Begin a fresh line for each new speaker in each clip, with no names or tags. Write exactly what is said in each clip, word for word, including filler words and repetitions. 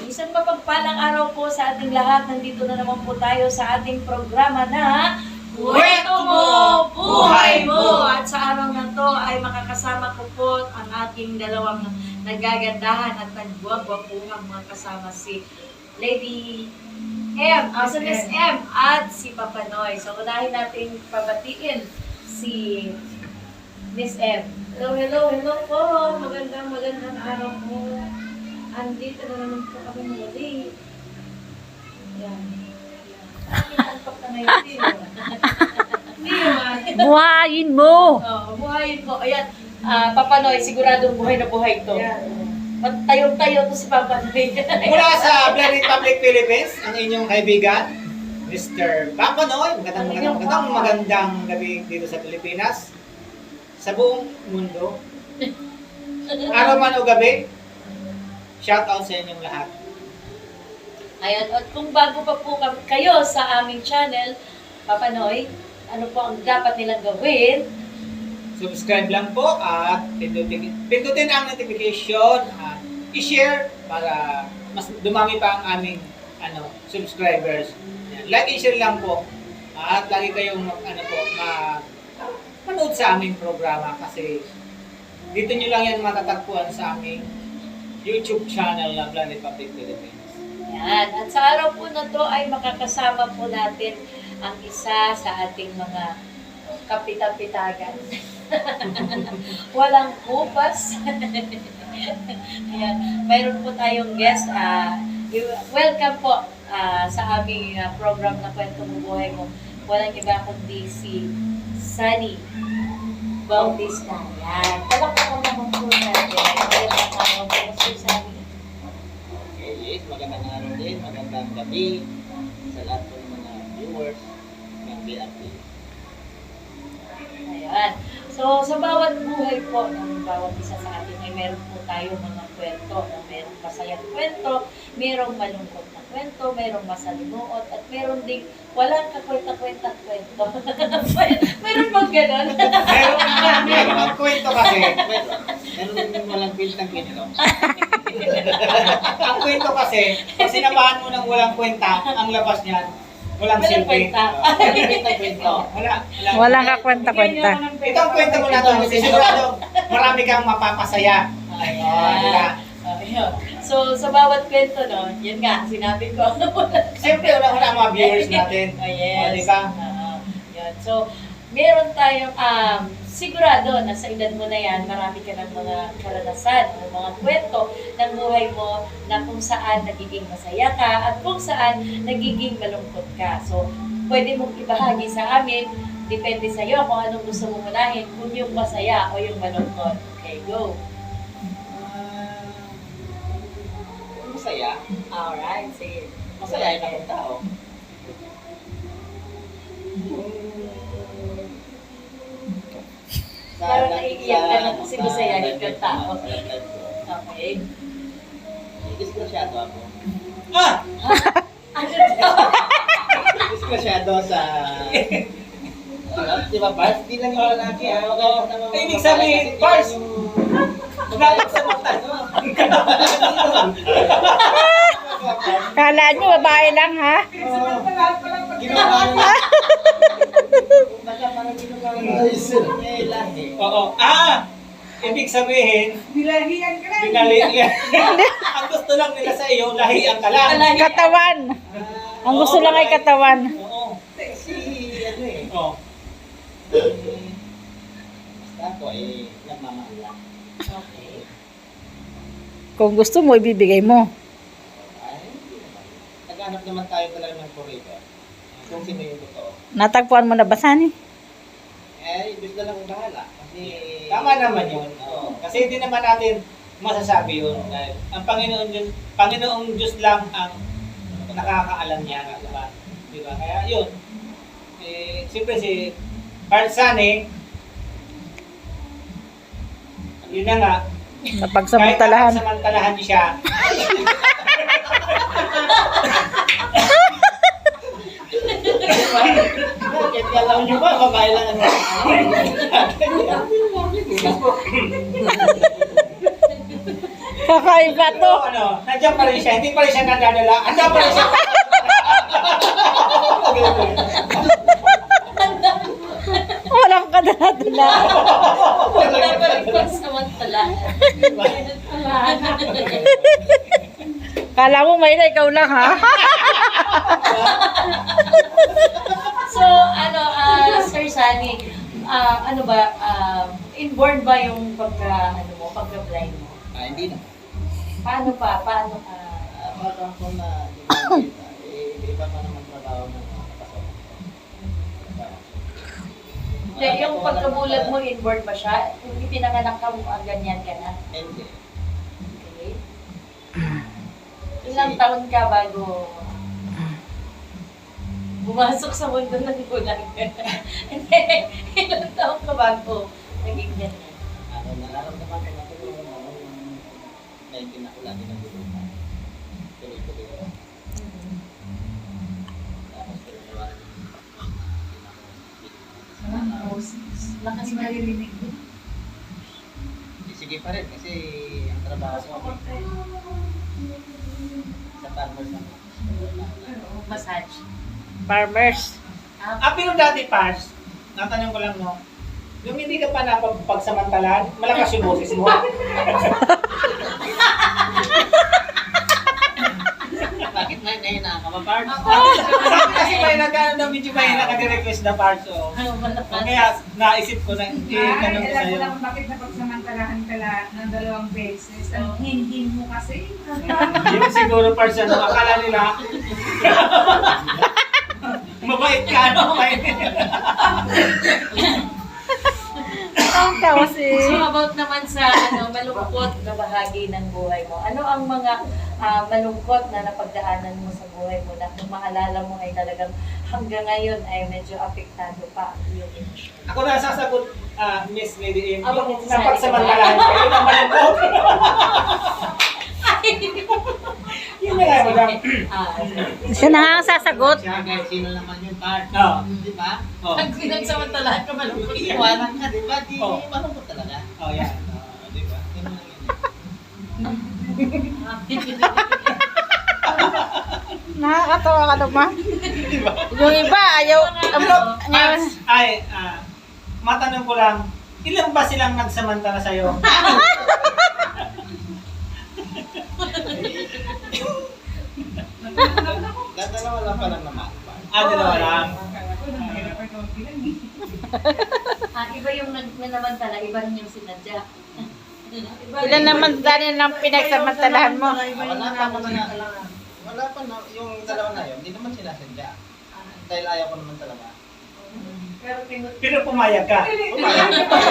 Isang mapagpalang araw po sa ating lahat. Nandito na naman po tayo sa ating programa na Kwento Mo, Buhay Mo! At sa araw na to ay makakasama ko po ang aking dalawang nagagandahan at nagbuwag-buwang mga kasama, si Lady M, uh, si Miss M at si Papa Noy. So unahin natin pabatiin si Miss M. Hello, hello, hello po. Magandang, magandang araw po. Andito na naman po kami muli. Yan. Kinaalpak na ngayon din. Hindi naman.
Buhayin mo!
Oo, buhayin ko. Ayan, uh, Papa Noy, siguradong buhay na buhay to. Tayong-tayo to si Papa Noy.
Mula sa Black Republic Philippines, ang inyong kaibigan, Mister Papa Noy. Magandang, magandang, magandang, magandang gabi dito sa Pilipinas. Sa buong mundo. Araw man o gabi, shout out sa inyong lahat.
Ayan, at kung bago pa po kayo sa aming channel, Papa Noy, ano po ang dapat nilang gawin?
Subscribe lang po at pindutin, pindutin ang notification at i-share para mas dumami pa ang aming ano, subscribers. Yan. Like and share lang po at lagi kayong ano po, ma manood sa aming programa kasi dito nyo lang yan matatagpuan sa aming YouTube channel na Planet Public Philippines.
Yan. At sa araw po na to ay makakasama po natin ang isa sa ating mga kapitapitagan. Walang kupas. Ayan. Mayroon po tayong guest. Uh, welcome po uh, sa aming uh, program na Kwento Mo Buhay Mo. Walang iba kundi si Sunny Bautista. Yan. Talakpakan naman po natin. Magandang araw po si Sunny.
Okay, yes, magandang araw din, magandang gabi sa lahat po ng mga viewers ng B R T.
Ayan. So, sa bawat buhay po ng bawat isa sa atin ay meron po tayo mga kwento. No? Merong masayang kwento, merong malungkot na kwento, merong masalimuot, at meron ding walang kakwenta-kwenta kwento. Meron bang ganon?
Meron na, meron ang kwento kasi. Meron yung walang kwentang kwento. Ang kwento kasi, pag sinamahan mo ng walang kwenta, ang labas niyan, walang
Walang
silbi.
kwenta.
Uh, Walang kwento. Wala. Wala.
Walang kakwenta-kwenta.
Ito ang kwento mo na ito kasi sigurado marami kang mapapasaya. Ay, oh, di ba?
Ayun. So, sa bawat kwento, no, yun nga, sinabi ko.
Siyempre, wala wala ang mga viewers natin.
Oh, yes.
Oh, di ba?
Oo. Yun. So, meron tayong, um, sigurado na sa edad mo na yan, marami ka ng mga karanasan o mga kwento ng buhay mo na kung saan nagiging masaya ka at kung saan nagiging malungkot ka. So, pwede mong ibahagi sa amin, depende sa iyo kung anong gusto mong unahin, kung yung masaya o yung malungkot. Okay, go.
Ah, masaya.
Alright, sige.
Masaya na akong tao.
Parang naiiyak ka na kasi masayahin kang tao. Okay.
Diskrasyado ako. Ah!
Ano to?
Diskrasyado sa... Di ba, Pars? Di lang yung lalaki. Ibig sabihin, Pars! Galit sa mata.
Kala nyo, babae lang ha?
Ginawa nyo. Oo. Ah! Ibig sabihin,
Nilahian ka na.
dinalihan. Ang gusto lang nila sa iyo, lahian ka lang.
Katawan. Ang gusto lang ay katawan.
Oo.
Si ano eh.
Oo.
Basta ako eh, nagmamahal lang.
Okay.
Kung gusto mo, ibibigay mo.
Ay, hindi naman. Naghanap naman tayo talaga ng forever. Kung sino yung totoo.
Natagpuan mo na ba, Sani?
Eh, Diyos na lang ang bahala. Kasi...
Tama naman yun.
Oo.
Kasi hindi naman natin masasabi yun. Dahil ang Panginoon Diyos, Panginoong Diyos lang ang nakakaalam niya. Diba? Diba? Kaya yun. Eh, siyempre si Parsane, yun na nga,
Napagsamantalahan.
kahit samantalahan niya siya,
Bakit? Alam nyo ba? Babae lang ang
Kakaiba bato.
Pero ano, nandiyan pa rin siya. Hindi pa rin siya nadadala. Andiyan pa rin siya.
Walang kadala-dala.
Wala pa rin pagsamantalaan.
Kala mo may na ikaw lang ha?
So, ano, ah, Sir Sunny, ah, ano ba, ah, inborn ba yung pagka, ano mo, pagka-blind mo?
Ah, hindi na.
Paano pa? Paano ka?
Ah, parang kung na, di ba, eh, iba pa naman trabaho ng mga kasama.
Hindi, yung pagkabulag mo, inborn ba siya? Kung ipinanganak ka mo, ah, ganyan ka na?
Hindi.
Okay. Ilang taon ka bago bumasok sa mundo ng bulag? Hindi, ilang taon ka bago naging ganyan?
Ano, nararamdaman ko na ito yung ano, yung medyo na ulan din ang gulungan. Tuloy-tuloy ako. Tapos, tuloy-tuloy ako.
Lakas maririnig mo.
Sige pa rin kasi ang trabaho ko sa farmers na.
Massage.
Farmers.
Ah, pero dati, Pars, natanong ko lang, no? Yung hindi ka pa napagsamantalahan, malakas yung boses mo.
Bakit na nahina ka ba, Pards?
Kasi may nagkano na medyo may nag-request na Pars, so. Kaya naisip ko na, eh,
Ay,
tanong ko
alam
sa'yo.
mo lang kung bakit napagsamantalahan ka la ng dalawang beses. Ang hindi mo kasi.
Yung siguro Pars, ano, akala nila, mabait ka, no?
Ang tawa si...
So about naman sa ano malungkot na bahagi ng buhay mo. Ano ang mga ah, malungkot na napagdaanan mo sa buhay mo na kung maalala mo ay talagang hanggang ngayon ay medyo apektado pa ang iyong emosyon?
Ako na sasagot, ah, Miss Lady M,
Ah,
yung
bakit
napagsamantalahan ko, yun ang malungkot. Yun na lang, madam.
Ah,
Siya na ang sasagot.
Siya, kahit sino naman yung Pards.
Oo.
Di ba?
Oh.
pag pinagsamantalahan ka malungkot yan.
Iwanan ka, di ba? Di,
Oh.
malungkot talaga.
Oh, yan.
Ah, di ba? Yun lang yun.
Nakakatawa ka naman. Yung iba, ayaw...
Pero,
Ang,
ah, ay, ah, matanong ko lang, ilan ba silang nagsamantala sa'yo?
Dadalawa lang pa lang naman. Pards.
Ah, dalawa lang.
Ah, iba yung nag- nanamantala, iba rin yung sinadya.
ilan naman dahil ng pinagsamantalahan mo?
Wala pa naman na, wala pa na, yung dalawa na yun, hindi naman sinasadya. Dahil ayaw ko naman talaga.
Pero pinut-
Pero pumayag ka.
Pumayag.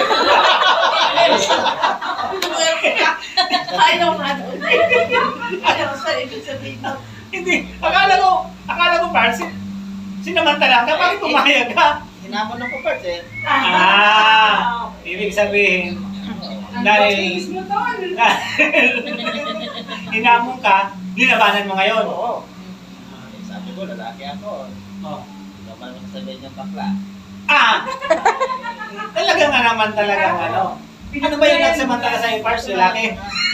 Ayaw nga doon. Ayaw sa ibig sabihin mo.
Hindi, akala ko, akala ko, Pars, sinamantala ka, bakit pumayag ka?
Hinamon ako Pards eh.
Ah, ibig sabihin, dahil,
Face mo doon.
hinamon ka, linabanan mo ngayon.
Oo. Ah, sabi ko, lalaki ako.
Oh.
Hindi naman sasabihin yung bakla.
Ah! Talaga nga naman talagang ano. Ano ba yung nagsamantala sa Pars, lalaki?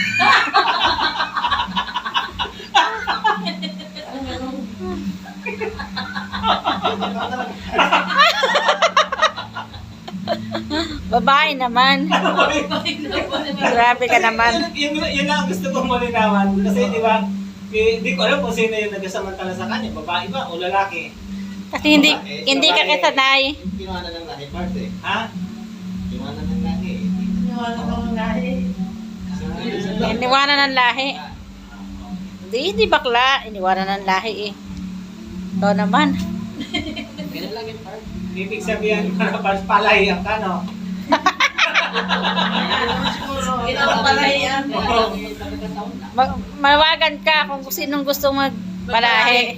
Babae naman. Grabe ka naman.
Yun, yun, yun lang ang gusto kong malinawan. Kasi di ba, eh, di ko alam kung sino yung nagsamantala sa kanya, babae ba o lalaki?
Kasi hindi hindi ka kasanay.
Kinuha na ng lahi Pards eh.
Ha?
Kinuha na ng lahi.
Iniwanan ng lahi. Hindi, hindi bakla. Iniwanan ng lahi eh. Ikaw naman.
Ganun lang yung Pards.
Ibig sabihin, Pars, palahiyan ka, no?
Pinapapalayan.
Ma- mawagan ka kung sinong gusto magpalahi.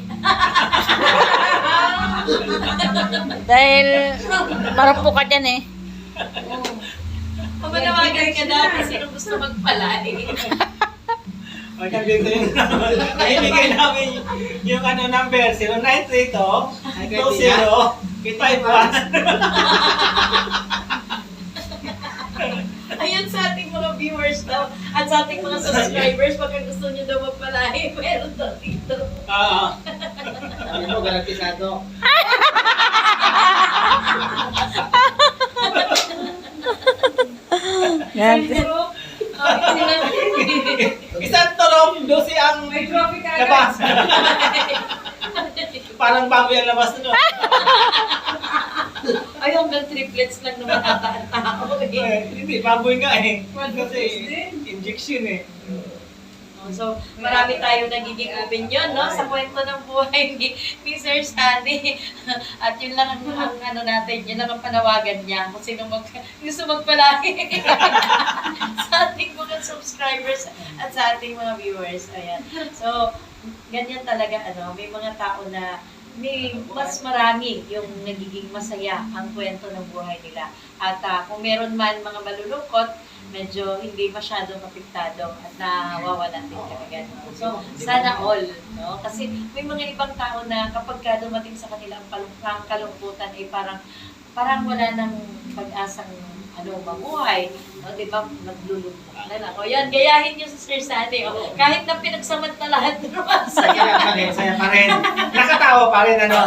Dahil marupok ka dyan eh.
Kung manawagan ka na, sino gusto magpalay?
O, nandito yung ibigay namin yung ano number, zero nine three two, two zero, five one.
Ay, Ayun sa ating mga viewers daw at sa ating mga subscribers, baka gusto nyo daw magpalahi, meron daw dito.
Oo.
Sabi mo, garantisado.
Yan.
Pero, ah,
Isang tulong, dosi ang
May trophy ka
labas. Parang bago yung labas na, no?
ay, hanggang triplets lang naman ata ang tao. eh.
Eh, Hindi, baboy nga eh.
Quadruplets
Kasi
din.
injection eh.
So, marami tayong nagiging opinion, no? Sa kwento ng buhay ni, ni Sir Sunny. At yun lang ang, ang ano natin, yun lang ang panawagan niya kung sino mag, gusto magpalaki sa ating mga subscribers at sa ating mga viewers. Ayan. So, ganyan talaga, ano, may mga tao na may mas marami yung nagiging masaya ang kwento ng buhay nila. At ah, kung meron man mga malulungkot, medyo hindi masyadong apektado at nawawalan din talaga. No? So, sana all, no? Kasi may mga ibang tao na kapag ka dumating sa kanilang palungkang kalungkutan, ay parang parang wala nang pag-asang ano, mabuhay. No? Di ba? Naglulubog na lang. O yan, gayahin niyo sa Sir Sunny. O, kahit na pinagsamantalahan naman sa
Saya pa rin, saya pa rin. Nakatawa pa rin, ano?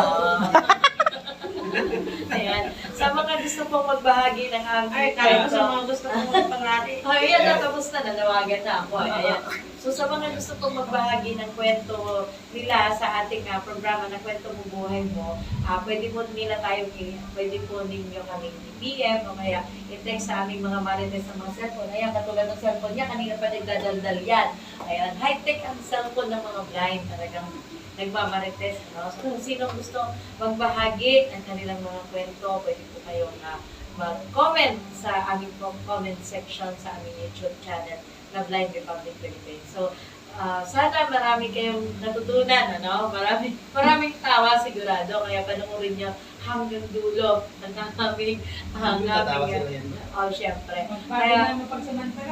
Ayan. Sa mga gusto pong magbahagi ng aming
Ay,
kwento.
sa mga gusto kong magpalaki.
Oh, ayan na, tapos na, nanawagan na ako. Ayan. So, sa mga gusto pong magbahagi ng kwento nila sa ating uh, programa na Kwento Mo Buhay Mo, uh, pwede po nila tayong, i- pwede po ninyo kaming i-P M o kaya i-text sa aming mga marites ng mga cellphone. Ayan, katulad ng cellphone niya, kanina pa nagdadaldal yan. Ayan, high-tech ang cellphone ng mga blind. Talagang nagmamarites, no? So, kung sino gusto magbahagi ng kanilang mga kwento, pwede po kayong uh, mag-comment sa aming com- comment section sa aming YouTube channel na Blind Republic Philippines. So, uh, sana marami kayong natutunan, ano? Marami, maraming tawa sigurado, kaya panoorin nyo hanggang dulo ng aming, ang
Tatawa
aming,
sila yan.
oh, syempre.
Magpapalaki
Kaya,
na mapagsamantala.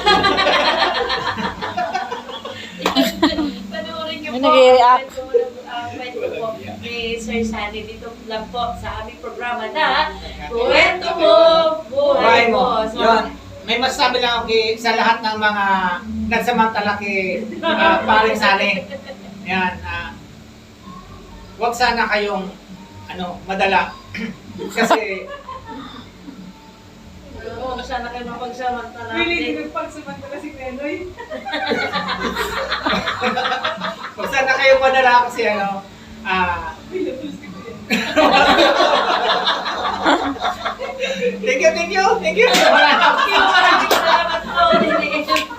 panoorin nyo
May
po
nag-i-react.
ang kwento ng- ang kwento po ni Sir Sunny dito lang po sa aming programa na Kwento Mo, Buhay Mo. So,
Yun. May masasabi lang ako kay, sa lahat ng mga nagsamantala kay uh, paring Sunny. Yan. Uh, huwag sana kayong ano, madala. Kasi
Oo, sana kayo mapagsamantala.
Really, hindi nagpagsamantala si Menoy.
huwag sana kayong madala kasi ano, ah, thank you, thank you, thank you.
Maraming salamat po.